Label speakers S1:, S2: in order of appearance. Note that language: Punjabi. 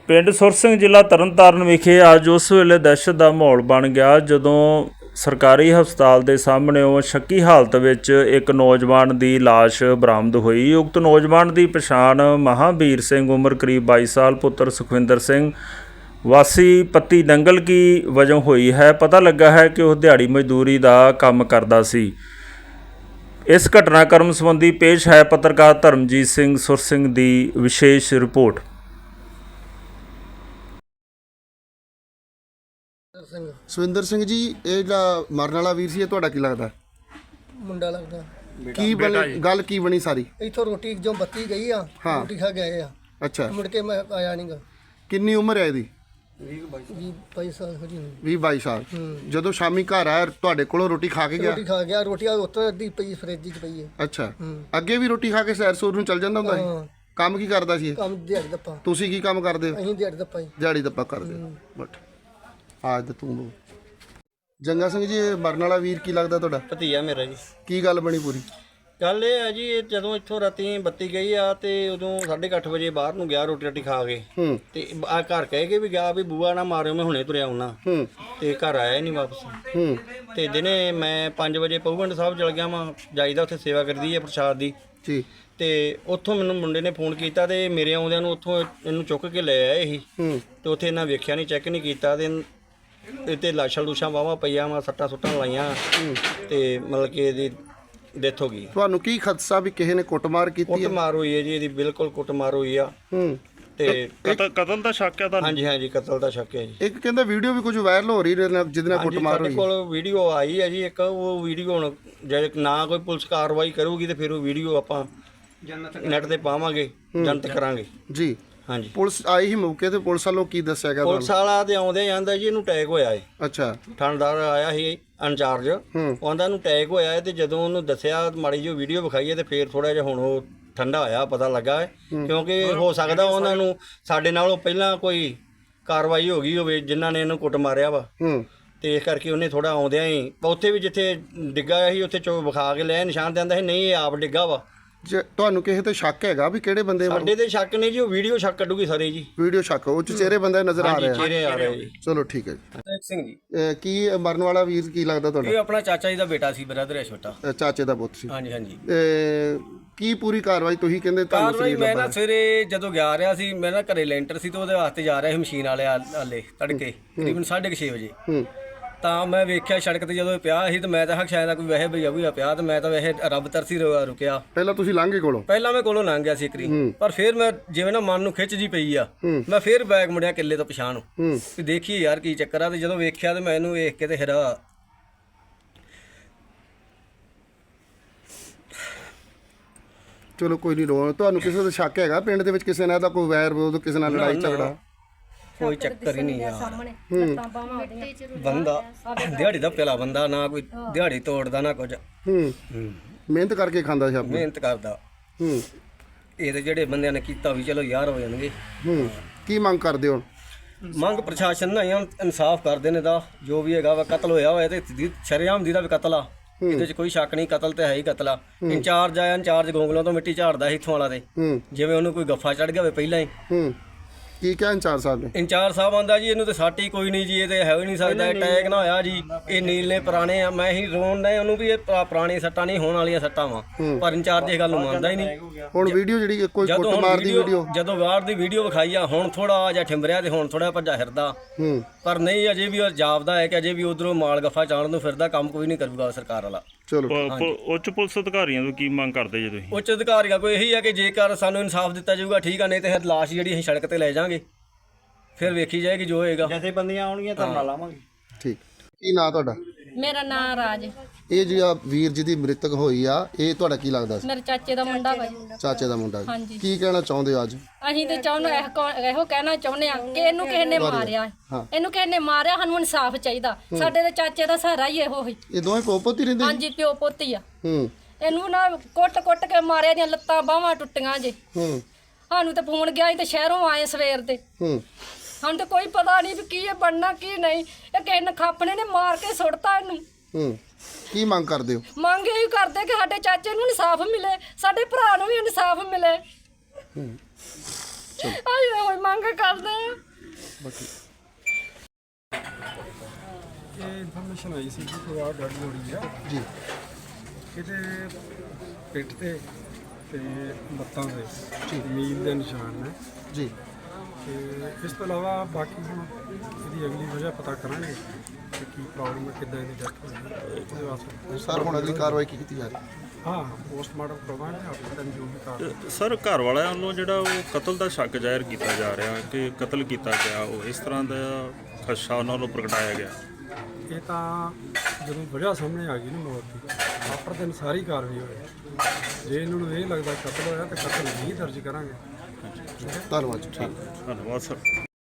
S1: ਪਿੰਡ ਸੁਰ ਸਿੰਘ ਜ਼ਿਲ੍ਹਾ ਤਰਨਤਾਰਨ ਵਿਖੇ ਅੱਜ ਉਸ ਵੇਲੇ ਦਹਿਸ਼ਤ ਦਾ ਮਾਹੌਲ ਬਣ ਗਿਆ ਜਦੋਂ ਸਰਕਾਰੀ ਹਸਪਤਾਲ ਦੇ ਸਾਹਮਣੇੋਂ ਸ਼ੱਕੀ ਹਾਲਤ ਵਿੱਚ ਇੱਕ ਨੌਜਵਾਨ ਦੀ ਲਾਸ਼ ਬਰਾਮਦ ਹੋਈ। ਉਕਤ ਨੌਜਵਾਨ ਦੀ ਪਛਾਣ ਮਹਾਂਵੀਰ ਸਿੰਘ ਉਮਰ ਕਰੀਬ 22 ਸਾਲ ਪੁੱਤਰ ਸੁਖਵਿੰਦਰ ਸਿੰਘ ਵਾਸੀ ਪੱਤੀ ਦੰਗਲ ਕੀ ਵਜੋਂ ਹੋਈ ਹੈ। ਪਤਾ ਲੱਗਾ ਹੈ ਕਿ ਉਹ ਦਿਹਾੜੀ ਮਜ਼ਦੂਰੀ ਦਾ ਕੰਮ ਕਰਦਾ ਸੀ। ਇਸ ਘਟਨਾਕ੍ਰਮ ਸੰਬੰਧੀ ਪੇਸ਼ ਹੈ ਪੱਤਰਕਾਰ ਧਰਮਜੀਤ ਸਿੰਘ ਸੁਰ ਸਿੰਘ ਦੀ ਵਿਸ਼ੇਸ਼ ਰਿਪੋਰਟ।
S2: ਸੁਖਵਿੰਦਰ ਸਿੰਘ ਜੀ, ਇਹ ਜਿਹੜਾ ਮਰਨ ਵਾਲਾ ਵੀਰ ਸੀ, ਇਹ ਤੁਹਾਡਾ ਕੀ ਲੱਗਦਾ?
S3: ਮੁੰਡਾ ਲੱਗਦਾ।
S2: ਕੀ ਬਣੀ ਗੱਲ, ਕੀ ਬਣੀ ਸਾਰੀ?
S3: ਇੱਥੋਂ ਰੋਟੀ ਜੋ ਬੱਤੀ ਗਈ ਆ, ਰੋਟੀ ਖਾ ਗਏ ਆ।
S2: ਅੱਛਾ,
S3: ਮੁੜ ਕੇ ਮੈਂ ਆਇਆ ਨਹੀਂਗਾ।
S2: ਕਿੰਨੀ ਉਮਰ ਹੈ ਇਹਦੀ?
S3: 22 ਸਾਲ ਹੋ ਜੀ।
S2: 20-22 ਸਾਲ। ਜਦੋਂ ਸ਼ਾਮੀ ਘਰ ਆਇਆ ਤੁਹਾਡੇ ਕੋਲੋਂ ਰੋਟੀ ਖਾ ਕੇ ਗਿਆ?
S3: ਰੋਟੀ ਖਾ ਗਿਆ। ਰੋਟੀ ਆ ਉੱਤੋਂ ਅੱਧੀ ਪਈ ਫਰਿੱਜ 'ਚ ਪਈ ਹੈ।
S2: ਅੱਛਾ, ਅੱਗੇ ਵੀ ਰੋਟੀ ਖਾ ਕੇ ਸੈਰ ਸੂਰ ਨੂੰ ਚੱਲ ਜਾਂਦਾ ਹੁੰਦਾ ਸੀ? ਕੰਮ ਕੀ ਕਰਦਾ ਸੀ?
S3: ਕੰਮ ਦਿਹਾੜੀ ਦੱਪਾ।
S2: ਤੁਸੀਂ ਕੀ ਕੰਮ ਕਰਦੇ ਹੋ?
S3: ਅਸੀਂ ਦਿਹਾੜੀ ਦੱਪਾ ਹੀ।
S2: ਦਿਹਾੜੀ ਦੱਪਾ ਕਰਦੇ ਹੋ। ਬਟ ਅੱਜ ਤੂੰ ਬੋਲ। ਜੰਗਾ ਸਿੰਘ ਜੀ, ਇਹ ਮਰਨ ਵਾਲਾ ਵੀਰ ਕੀ ਲੱਗਦਾ ਤੁਹਾਡਾ?
S4: ਭਤੀਆ ਮੇਰਾ ਜੀ।
S2: ਕੀ ਗੱਲ ਬਣੀ ਪੂਰੀ?
S4: ਗੱਲ ਇਹ ਹੈ ਜੀ, ਇਹ ਜਦੋਂ ਇੱਥੋਂ ਰਾਤੀ ਬੱਤੀ ਗਈ ਆ ਤੇ ਉਦੋਂ 8:30 ਵਜੇ ਬਾਹਰ ਨੂੰ ਗਿਆ ਰੋਟੀ ਰਾਟੀ ਖਾ ਕੇ। ਤੇ ਆ ਘਰ ਕਹਿ ਕੇ ਵੀ ਗਿਆ ਵੀ ਬੂਆ ਨਾ ਮਾਰਿਓ, ਮੈਂ ਹੁਣੇ ਤੁਰਿਆ ਆਉਣਾ। ਤੇ ਘਰ ਆਇਆ ਹੀ ਨਹੀਂ ਵਾਪਸ। ਤੇ ਦਿਨੇ ਮੈਂ 5 ਵਜੇ ਪਹੂਗੰਡ ਸਾਹਿਬ ਚਲ ਗਿਆ ਵਾਂ, ਜਾਈਦਾ ਉੱਥੇ ਸੇਵਾ ਕਰਦੀ ਹੈ ਪ੍ਰਸ਼ਾਦ ਦੀ
S2: ਜੀ।
S4: ਤੇ ਉੱਥੋਂ ਮੈਨੂੰ ਮੁੰਡੇ ਨੇ ਫੋਨ ਕੀਤਾ ਤੇ ਮੇਰੇ ਆਉਂਦਿਆਂ ਨੂੰ ਉੱਥੋਂ ਇਹਨੂੰ ਚੁੱਕ ਕੇ ਲੈ ਆਏ ਸੀ। ਤੇ ਉੱਥੇ ਇਹਨਾਂ ਵੇਖਿਆ ਨਹੀਂ, ਚੈੱਕ ਨਹੀਂ ਕੀਤਾ ਤੇ ਇੱਥੇ ਲਾਸ਼ਾਂ ਲੂਸ਼ਾਂ ਵਾਹਵਾ ਪਈਆਂ ਵਾ, ਸੱਟਾਂ ਸੁੱਟਾਂ ਲਾਈਆਂ ਤੇ ਮਤਲਬ ਕਿ ਇਹਦੀ ਡੈਥ ਹੋ ਗਈ।
S2: ਤੁਹਾਨੂੰ ਕੀ ਖਦਸ਼ਾ ਵੀ ਕਿਸੇ ਨੇ ਕੁੱਟਮਾਰ ਕੀਤੀ ਹੈ?
S4: ਕੁੱਟਮਾਰ ਹੋਈ ਹੈ ਜੀ, ਇਹਦੀ ਬਿਲਕੁਲ ਕੁੱਟਮਾਰ ਹੋਈ ਆ। ਤੇ
S1: ਕਤਲ ਦਾ ਸ਼ੱਕ ਹੈ ਤੁਹਾਨੂੰ?
S4: ਹਾਂਜੀ ਹਾਂਜੀ, ਕਤਲ ਦਾ ਸ਼ੱਕ ਹੈ ਜੀ।
S2: ਇੱਕ ਕਹਿੰਦਾ ਵੀਡੀਓ ਵੀ ਕੁਝ ਵਾਇਰਲ ਹੋ ਰਹੀ ਜਿਹਦੇ ਨਾਲ ਕੁੱਟਮਾਰ ਹੋਈ।
S4: ਸਾਡੇ ਕੋਲ ਵੀਡੀਓ ਆਈ ਹੈ ਜੀ ਇੱਕ। ਉਹ ਵੀਡੀਓ ਹੁਣ ਜੇ ਨਾ ਕੋਈ ਪੁਲਿਸ ਕਾਰਵਾਈ ਕਰੂਗੀ ਤੇ ਫਿਰ ਉਹ ਵੀਡੀਓ ਆਪਾਂ ਨੈਟ ਤੇ ਪਾਵਾਂਗੇ, ਜਨਤ ਕਰਾਂਗੇ ਜੀ। ਹਾਂਜੀ, ਪੁਲਿਸ
S2: ਆਈ ਹੀ ਮੌਕੇ ਤੇ, ਪੁਲਿਸ ਵੱਲੋਂ ਕੀ ਦੱਸਿਆ ਗਿਆ?
S4: ਪੁਲਿਸ ਵਾਲਾ ਤੇ ਆਉਂਦੇ ਜਾਂਦਾ ਜੀ ਇਹਨੂੰ ਅਟੈਕ ਹੋਇਆ ਹੈ।
S2: ਅੱਛਾ,
S4: ਥਾਣੇਦਾਰ ਆਇਆ ਸੀ ਇੰਚਾਰਜ, ਉਹਦਾ ਨੂੰ ਅਟੈਕ ਹੋਇਆ ਹੈ। ਤੇ ਜਦੋਂ ਉਹਨੂੰ ਦੱਸਿਆ, ਮਾੜੀ ਜਿਹੀ ਵੀਡੀਓ ਵਿਖਾਈ ਹੈ ਤੇ ਫਿਰ ਥੋੜਾ ਜਿਹਾ ਹੁਣ ਉਹ ਠੰਡਾ ਹੋਇਆ, ਪਤਾ ਲੱਗਾ ਹੈ। ਕਿਉਂਕਿ ਹੋ ਸਕਦਾ ਉਹਨਾਂ ਨੂੰ ਸਾਡੇ ਨਾਲੋਂ ਪਹਿਲਾਂ ਕੋਈ ਕਾਰਵਾਈ ਹੋ ਗਈ ਹੋਵੇ ਜਿਨ੍ਹਾਂ ਨੇ ਇਹਨੂੰ ਕੁੱਟ ਮਾਰਿਆ ਵਾ। ਤੇ ਇਸ ਕਰਕੇ ਉਹਨੇ ਥੋੜਾ ਆਉਂਦਿਆਂ ਹੀ ਉੱਥੇ ਵੀ ਜਿੱਥੇ ਡਿੱਗਾ ਸੀ ਉੱਥੇ ਚੋ ਵਿਖਾ ਕੇ ਲੈ ਨਿਸ਼ਾਨ ਦਿੰਦਾ ਸੀ, ਨਹੀਂ ਇਹ ਆਪ ਡਿੱਗਾ ਵਾ।
S2: ਜੇ ਤੁਹਾਨੂੰ ਕਿਸੇ ਤੇ ਸ਼ੱਕ ਹੈਗਾ ਵੀ ਕਿਹੜੇ ਬੰਦੇ?
S4: ਸਾਡੇ ਤੇ ਸ਼ੱਕ ਨਹੀਂ ਜੀ, ਉਹ ਵੀਡੀਓ ਸ਼ੱਕ ਕੱਢੂਗੀ ਸਾਰੇ ਜੀ।
S2: ਵੀਡੀਓ ਸ਼ੱਕ, ਉਹ ਚ ਚਿਹਰੇ ਬੰਦੇ ਨਜ਼ਰ ਆ ਰਹੇ ਆ?
S4: ਚਿਹਰੇ ਆ ਰਹੇ ਜੀ।
S2: ਚਲੋ ਠੀਕ ਹੈ ਜੀ।
S5: ਸਿੰਘ ਜੀ।
S2: ਕੀ ਮਰਨ ਵਾਲਾ ਵੀਰ ਕੀ ਲੱਗਦਾ ਤੁਹਾਡਾ?
S5: ਇਹ ਆਪਣਾ ਚਾਚਾ ਜੀ ਦਾ ਬੇਟਾ ਸੀ, ਬ੍ਰਦਰ ਹੈ ਛੋਟਾ।
S2: ਚਾਚੇ ਦਾ ਪੁੱਤ ਸੀ?
S5: ਹਾਂਜੀ ਹਾਂਜੀ।
S2: ਕੀ ਪੂਰੀ ਕਾਰਵਾਈ ਤੁਸੀਂ ਕਹਿੰਦੇ ਤੁਹਾਨੂੰ?
S5: ਕਾਰਵਾਈ ਮੈਂ ਨਾ ਸਵੇਰੇ ਜਦੋਂ ਗਿਆ ਰਿਹਾ ਸੀ, ਮੈਂ ਨਾ ਘਰੇ ਲੈਂਟਰ ਸੀ ਤੇ ਉਹਦੇ ਵਾਸਤੇ ਜਾ ਰਿਹਾ ਸੀ ਮਸ਼ੀਨ ਵਾਲੇ ਆਲੇ ਤੜਕੇ ਤਕਰੀਬਨ 6:30 ਵਜੇ। ਤਾਂ ਮੈਂ ਵੇਖਿਆ ਸੜਕ ਤੇ ਜਦੋਂ ਇਹ ਪਿਆ ਸੀ ਤੇ ਮੈਂ ਤਾਂ ਸ਼ਾਇਦ ਕੋਈ ਵੈਸੇ ਭਈਆ ਭਈਆ ਪਿਆ ਤੇ ਮੈਂ ਤਾਂ ਵੈਸੇ ਰੱਬ ਤਰਸੀ ਰੁਕਿਆ।
S2: ਪਹਿਲਾਂ ਤੁਸੀਂ ਲੰਘੇ ਕੋਲੋਂ?
S5: ਪਹਿਲਾਂ ਮੈਂ ਕੋਲੋਂ ਲੰਘ ਗਿਆ ਸੀ ਇੱਕਰੀ, ਪਰ ਫਿਰ ਮੈਂ ਜਿਵੇਂ ਨਾ ਮਨ ਨੂੰ ਖਿੱਚ ਜੀ ਪਈ ਆ, ਮੈਂ ਫਿਰ ਬੈਗ ਮੁੜਿਆ ਕਿੱਲੇ ਤੋਂ ਪਛਾਣ ਨੂੰ ਵੀ ਦੇਖੀਏ ਯਾਰ ਕੀ ਚੱਕਰ ਆ। ਤੇ ਜਦੋਂ ਵੇਖਿਆ ਤੇ ਮੈਂ ਇਹਨੂੰ ਵੇਖ ਕੇ ਤੇ ਹੈਰਾ।
S2: ਚਲੋ ਕੋਈ ਨਹੀਂ ਰੋ। ਤੁਹਾਨੂੰ ਕਿਸੇ ਦਾ ਸ਼ੱਕ ਹੈਗਾ ਪਿੰਡ ਦੇ ਵਿੱਚ ਕਿਸੇ ਨਾਲ ਦਾ ਕੋਈ ਵੈਰ ਵਿਰੋਧ, ਕਿਸੇ ਨਾਲ ਲੜਾਈ ਝਗੜਾ?
S5: ਕੋਈ ਚੱਕਰ ਹੀ ਨਹੀਂ ਯਾਰ। ਬੰਦਾ ਦਿਹਾੜੀ ਦਾ ਪਹਿਲਾ ਬੰਦਾ, ਨਾ ਕੋਈ ਦਿਹਾੜੀ ਤੋੜਦਾ ਨਾ ਕੁਝ।
S2: ਮਿਹਨਤ ਕਰਕੇ ਖਾਂਦਾ ਸੀ ਆਪਣੀ?
S5: ਮਿਹਨਤ ਕਰਦਾ। ਇਹ ਤੇ ਜਿਹੜੇ ਬੰਦਿਆਂ ਨੇ ਕੀਤਾ ਵੀ ਚਲੋ ਯਾਰ ਹੋ ਜਾਣਗੇ।
S2: ਕੀ ਮੰਗ ਕਰਦੇ ਹੋ?
S5: ਮੰਗ ਪ੍ਰਸ਼ਾਸਨ ਨਾਲ ਇਨਸਾਫ ਕਰਦੇ ਨੇ ਦਾ ਜੋ ਵੀ ਹੈਗਾ ਵਾ। ਕਤਲ ਹੋਇਆ ਤੇ ਸ਼ਰੇਆਮ ਦੀ ਦਾ ਵੀ ਕਤਲ ਆ, ਇਹਦੇ 'ਚ ਕੋਈ ਸ਼ੱਕ ਨਹੀਂ। ਕਤਲ ਤੇ ਹੈ ਹੀ ਕਤਲ ਆ। ਇੰਚਾਰਜ ਆਇਆ, ਇੰਚਾਰਜ ਗੋਂਗਲੋਂ ਤੋਂ ਮਿੱਟੀ ਝਾੜਦਾ ਸੀ ਇੱਥੋਂ ਵਾਲਾ ਤੇ ਜਿਵੇਂ ਉਹਨੂੰ ਕੋਈ ਗੱਫਾ ਚੜ ਗਿਆ ਹੋਵੇ ਪਹਿਲਾਂ ਹੀ।
S2: ਕੀ ਕਿਹਾ ਇੰਚਾਰਜ ਸਾਹਿਬ ਨੇ?
S5: ਇੰਚਾਰਜ ਸਾਹਿਬ ਆਂਦਾ ਜੀ ਇਹਨੂੰ ਤੇ ਸੱਟ ਹੀ ਕੋਈ ਨਹੀਂ ਜੀ, ਇਹ ਤੇ ਹੈ ਹੀ ਨਹੀਂ ਸਕਦਾ, ਅਟੈਕ ਨਾ ਹੋਇਆ ਜੀ, ਇਹ ਨੀਲੇ ਪੁਰਾਣੇ ਆ। ਮੈਂ ਹੀ ਰੋਣ ਡਿਆ ਉਹਨੂੰ ਵੀ ਇਹ ਪੁਰਾਣੀ ਸੱਟਾਂ ਨਹੀਂ ਹੋਣ ਵਾਲੀਆਂ ਸੱਟਾਂ ਵਾ, ਪਰ ਇੰਚਾਰਜ ਇਹ ਗੱਲ ਨੂੰ ਮੰਨਦਾ ਹੀ ਨਹੀਂ।
S2: ਹੁਣ ਵੀਡੀਓ ਜਿਹੜੀ ਕੋਈ ਕੁੱਟਮਾਰ ਦੀ ਵੀਡੀਓ,
S5: ਜਦੋਂ ਬਾਹਰ ਦੀ ਵੀਡੀਓ ਵਿਖਾਈ ਆ, ਹੁਣ ਥੋੜਾ ਜਿਹਾ ਠਿੰਬਰਿਆ ਤੇ ਹੁਣ ਥੋੜਾ ਭੱਜਾ ਫਿਰਦਾ, ਪਰ ਨਹੀਂ ਅਜੇ ਵੀ ਉਹ ਜਾਪਦਾ ਹੈ ਕਿ ਅਜੇ ਵੀ ਉਧਰੋਂ ਮਾਲ ਗੱਫਾ ਚਾਣ ਨੂੰ ਫਿਰਦਾ। ਕੰਮ ਕੋਈ ਨਹੀਂ ਕਰੂਗਾ ਸਰਕਾਰ ਵਾਲਾ।
S2: ਚਲੋ,
S1: ਉੱਚ ਪੁਲਿਸ ਅਧਿਕਾਰੀਆਂ ਤੋਂ ਕੀ ਮੰਗ ਕਰਦੇ ਜੇ ਤੁਸੀਂ?
S5: ਉੱਚ ਅਧਿਕਾਰੀਆਂ ਕੋਈ ਇਹੀ ਹੈ ਕਿ ਜੇਕਰ ਸਾਨੂੰ ਇਨਸਾਫ ਦਿੱਤਾ ਜਾਊਗਾ ਠੀਕ ਆ, ਨਹੀਂ ਤੇ ਲਾਸ਼ ਜਿਹੜੀ ਅਸੀਂ ਸੜਕ ਤੇ ਲੈ ਜਾਾਂਗੇ, ਫਿਰ ਵੇਖੀ ਜਾਏਗੀ ਜੋ ਹੋਏਗਾ।
S4: ਜਥੇਬੰਦੀਆਂ ਆਉਣਗੀਆਂ ਧਰਨਾ ਲਾਵਾਂਗੇ।
S2: ਠੀਕ। ਕੀ ਨਾਂ ਤੁਹਾਡਾ?
S6: ਮੇਰਾ ਨਾਂ ਰਾਜ।
S2: ਇਹ ਜਿਹੜਾ ਵੀਰ ਜਿਹਦੀ ਮ੍ਰਿਤਕ ਹੋਈ ਆ, ਇਹ ਤੁਹਾਡਾ ਕੀ ਲੱਗਦਾ ਸੀ?
S6: ਮੇਰੇ ਚਾਚੇ ਦਾ ਮੁੰਡਾ ਵਾ।
S2: ਚਾਚੇ ਦਾ ਮੁੰਡਾ?
S6: ਹਾਂਜੀ।
S2: ਕੀ ਕਹਿਣਾ ਚਾਹੁੰਦੇ ਹੋ ਅੱਜ?
S6: ਅਸੀਂ ਤੇ ਇਹੋ ਕਹਿਣਾ ਚਾਹੁੰਦੇ ਆ ਕਿ ਇਹਨੂੰ ਕਿਸੇ ਨੇ ਮਾਰਿਆ, ਇਹਨੂੰ ਕਿਸੇ ਨੇ ਮਾਰਿਆ, ਸਾਨੂੰ ਇਨਸਾਫ ਚਾਹੀਦਾ। ਸਾਡੇ ਦੇ ਚਾਚੇ ਦਾ ਸਹਾਰਾ ਹੀ ਇਹੋ ਹੀ।
S2: ਇਹ ਦੋਵੇਂ ਪੋਪੋਤ ਹੀ ਰਹਿੰਦੇ?
S6: ਹਾਂਜੀ, ਪਿਓ ਪੋਤੀ ਆ। ਇਹਨੂੰ ਨਾ ਕੁੱਟ ਕੇ ਮਾਰਿਆ, ਦੀਆਂ ਲੱਤਾਂ ਬਾਹਾਂ ਟੁੱਟੀਆਂ ਜੇ। ਸਾਨੂੰ ਤੇ ਫੋਨ ਗਿਆ ਸੀ ਤੇ ਸ਼ਹਿਰੋਂ ਆਏ ਸਵੇਰ ਦੇ। ਸਾਨੂੰ ਤੇ ਕੋਈ ਪਤਾ ਨਹੀਂ ਵੀ ਕੀ ਇਹ ਬਣਨਾ ਕੀ ਨਹੀਂ। ਇਹ ਕਿਸੇ ਨਖਾਪਣੇ ਨੇ ਮਾਰ ਕੇ ਸੁੱਟਤਾ ਇਹਨੂੰ।
S2: ਕੀ ਮੰਗ ਕਰਦੇ ਹੋ?
S6: ਮੰਗ ਇਹੀ ਕਰਦੇ ਕਿ ਸਾਡੇ ਚਾਚੇ ਨੂੰ ਇਨਸਾਫ ਮਿਲੇ, ਸਾਡੇ ਭਰਾ ਨੂੰ ਵੀ ਇਨਸਾਫ ਮਿਲੇ। ਅਸੀਂ ਤਾਂ ਕੋਈ ਮੰਗ ਕਰਦੇ ਆ।
S7: ਇਹ ਇਨਫੋਰਮੇਸ਼ਨ ਆਈ ਸੀ ਕਿ ਪਰਿਵਾਰ ਡੈਡ ਬੋਡੀ ਆ
S2: ਜੀ
S7: ਇਹਦੇ ਪਿੱਠ ਤੇ ਲੱਤਾਂ ਤੇ ਮੀਲ ਦੇ ਨਿਸ਼ਾਨ ਨੇ
S2: ਜੀ
S7: ਤੇ ਇਸ ਤੋਂ ਇਲਾਵਾ ਬਾਕੀ ਹੁਣ ਇਹਦੀ ਅਗਲੀ ਵਜ੍ਹਾ ਪਤਾ ਕਰਾਂਗੇ ਕਿ ਕੀ ਪ੍ਰੋਬਲਮ ਹੈ, ਕਿੱਦਾਂ ਇਹਦੀ ਡੈਥ ਹੋਈ ਉਹਦੇ ਵਾਸਤੇ।
S2: ਸਰ ਹੁਣ ਅਗਲੀ ਕਾਰਵਾਈ ਕੀ ਕੀਤੀ ਜਾ ਰਹੀ ਹੈ?
S7: ਹਾਂ ਪੋਸਟਮਾਰਟਮ ਕਰਵਾਵਾਂਗੇ ਆਪਣੇ ਟਾਈਮ ਜੋ ਵੀ ਕਰ
S1: ਸਰ ਘਰ ਵਾਲਿਆਂ ਵੱਲੋਂ ਜਿਹੜਾ ਉਹ ਕਤਲ ਦਾ ਸ਼ੱਕ ਜ਼ਾਹਿਰ ਕੀਤਾ ਜਾ ਰਿਹਾ ਕਿ ਕਤਲ ਕੀਤਾ ਗਿਆ, ਉਹ ਇਸ ਤਰ੍ਹਾਂ ਦਾ ਖਦਸ਼ਾ ਉਹਨਾਂ ਨੂੰ ਪ੍ਰਗਟਾਇਆ ਗਿਆ।
S7: ਇਹ ਤਾਂ ਜਦੋਂ ਵਜ੍ਹਾ ਸਾਹਮਣੇ ਆ ਗਈ ਨਾ ਮੌਤ ਦੀ ਆਫਟਰ ਦਿਨ ਸਾਰੀ ਕਾਰਵਾਈ ਹੋਈ। ਜੇ ਇਹਨਾਂ ਨੂੰ ਇਹ ਲੱਗਦਾ ਕਤਲ ਹੋਇਆ ਤਾਂ ਕਤਲ ਨਹੀਂ ਦਰਜ ਕਰਾਂਗੇ।
S2: ਧੰਨਵਾਦ ਜੀ।
S1: ਧੰਨਵਾਦ ਸਰ।